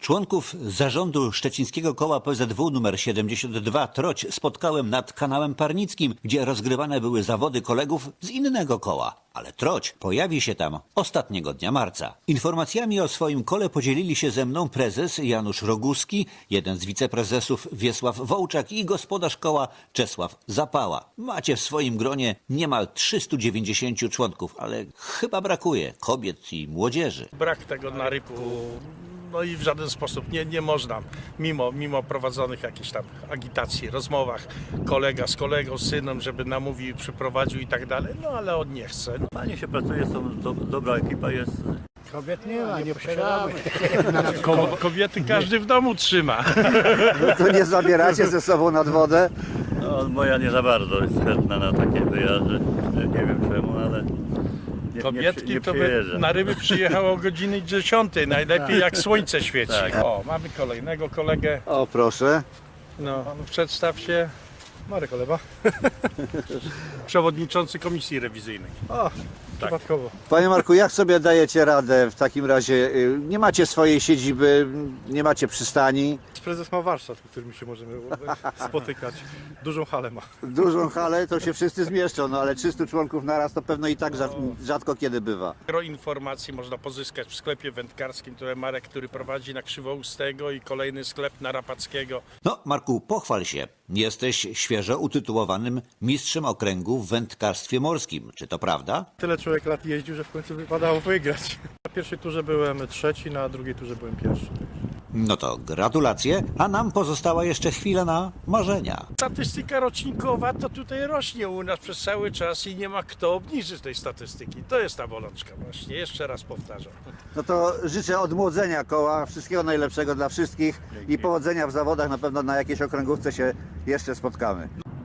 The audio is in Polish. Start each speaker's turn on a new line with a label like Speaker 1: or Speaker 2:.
Speaker 1: Członków zarządu szczecińskiego koła PZW nr 72 Troć spotkałem nad kanałem Parnickim, gdzie rozgrywane były zawody kolegów z innego koła. Ale Troć pojawi się tam ostatniego dnia marca. Informacjami o swoim kole podzielili się ze mną prezes Janusz Roguski, jeden z wiceprezesów Wiesław Wołczak i gospodarz koła Czesław Zapała. Macie w swoim gronie niemal 390 członków, ale chyba brakuje kobiet i młodzieży.
Speaker 2: Brak tego naryku, no i w żaden sposób nie można, mimo prowadzonych jakichś tam agitacji, rozmowach, kolega z kolegą, z synem, żeby namówił, przyprowadził i tak dalej, no ale on nie chce.
Speaker 3: Fajnie się pracuje, dobra ekipa jest.
Speaker 4: Kobiet nie ma, nie posiadamy.
Speaker 2: Kobiety każdy w domu trzyma.
Speaker 5: To nie zabieracie ze sobą nad wodę?
Speaker 3: No, moja nie za bardzo jest chętna na takie wyjazdy. Nie wiem czemu, ale
Speaker 2: Kobietki
Speaker 3: nie
Speaker 2: to by
Speaker 3: przyjeżdża.
Speaker 2: na ryby przyjechało o godzinie 10, najlepiej jak słońce świeci.
Speaker 3: Tak.
Speaker 2: O, mamy kolejnego kolegę,
Speaker 5: O, proszę.
Speaker 2: no przedstaw się.
Speaker 4: Marek Oleba.
Speaker 2: Przewodniczący Komisji Rewizyjnej.
Speaker 4: O, przypadkowo.
Speaker 5: Panie Marku, jak sobie dajecie radę w takim razie? Nie macie swojej siedziby, nie macie przystani,
Speaker 4: Prezes ma warsztat, w którym się możemy spotykać. Dużą halę ma.
Speaker 5: dużą halę, to się wszyscy zmieszczą, no ale 300 członków naraz to pewno i tak rzadko kiedy bywa.
Speaker 2: Gro informacji można pozyskać w sklepie wędkarskim, które Marek, który prowadzi na Krzywoustego i kolejny sklep na Rapackiego.
Speaker 1: No, Marku, pochwal się. Jesteś świeżo utytułowanym mistrzem okręgu w wędkarstwie morskim. Czy to prawda?
Speaker 4: Tyle człowiek lat jeździł, że w końcu wypadało wygrać. Na pierwszej turze byłem trzeci, na drugiej turze byłem pierwszy.
Speaker 1: No to gratulacje, a nam pozostała jeszcze chwila na marzenia.
Speaker 2: Statystyka rocznikowa to tutaj rośnie u nas przez cały czas i nie ma kto obniżyć tej statystyki. To jest ta bolączka właśnie, jeszcze raz powtarzam.
Speaker 5: No to życzę odmłodzenia koła, wszystkiego najlepszego dla wszystkich i powodzenia w zawodach. Na pewno na jakiejś okręgówce się jeszcze spotkamy.